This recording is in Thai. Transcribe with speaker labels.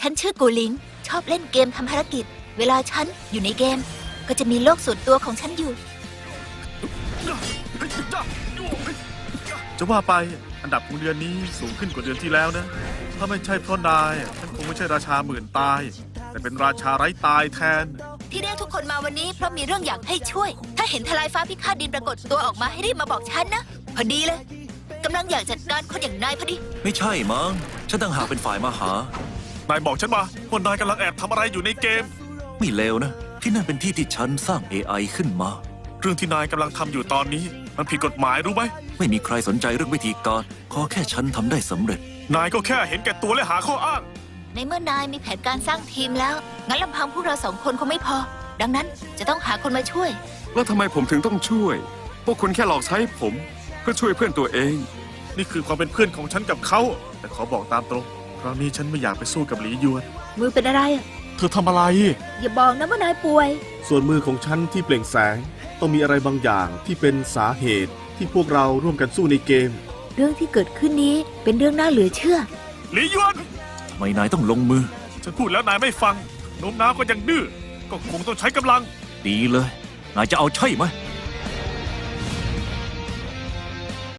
Speaker 1: ฉันชื่อกูหลิงชอบเล่นเกมทำภารกิจเวลาฉันอยู่ในเกมก็จะมีโลกส่วนตัวของฉันอยู่
Speaker 2: จะว่าไปอันดับของเดือนนี้สูงขึ้นกว่าเดือนที่แล้วนะถ้าไม่ใช่เพราะนายฉันคงไม่ใช่ราชาหมื่นตายแต่เป็นราชาไร้ตายแทน
Speaker 1: ที่เรียกทุกคนมาวันนี้เพราะมีเรื่องอยากให้ช่วย ถ้าเห็นทลายฟ้าพิฆาตดินปรากฏตัวออกมาให้รีบมาบอกฉันนะพอดีเลยกำลังอยากจัดการคนอย่างนายพอดี
Speaker 3: ไม่ใช่มั้งฉันต่างหากเป็นฝ่ายมาหา
Speaker 2: นายบอกฉันมาว่านายกำลังแอบทำอะไรอยู่ในเกม
Speaker 3: ไม่เลวนะ ที่นั่นเป็นที่ที่ฉันสร้าง AI ขึ้นมา
Speaker 2: เรื่องที่นายกำลังทำอยู่ตอนนี้มันผิดกฎหมายรู้ไหม
Speaker 3: ไม่มีใครสนใจเรื่องวิธีการขอแค่ฉันทำได้สำเร็จ
Speaker 2: นายก็แค่เห็นแก่ตัวและหาข้ออ้าง
Speaker 1: ในเมื่อนายมีแผนการสร้างทีมแล้วงั้นลำพังพวกเรา2 คนคงไม่พอ ดังนั้นจะต้องหาคนมาช่วย
Speaker 4: แล้วทำไมผมถึงต้องช่วย พวกคุณแค่หลอกใช้ผม เพื่อช่วยเพื่อนตัวเอง
Speaker 2: นี่คือความเป็นเพื่อนของฉันกับเขาแต่ขอบอกตามตรงครั้งนี้ฉันไม่อยากไปสู้กับหลีหยวน
Speaker 1: มือเป็นอะไรอะ
Speaker 2: เธอทำอะไร
Speaker 1: อย่าบอกนะว่านายป่วย
Speaker 5: ส่วนมือของฉันที่เปล่งแสงต้องมีอะไรบางอย่างที่เป็นสาเหตุที่พวกเราร่วมกันสู้ในเกม
Speaker 1: เรื่องที่เกิดขึ้นนี้เป็นเรื่องน่าเหลือเชื่อ
Speaker 2: หลีหยวน
Speaker 3: ทำไมนายต้องลงมือ
Speaker 2: ฉันพูดแล้วนายไม่ฟังโน้มน้าวก็ยังดื้อก็คงต้องใช้กำลัง
Speaker 3: ดีเลย นายจะเอาใช่ไหม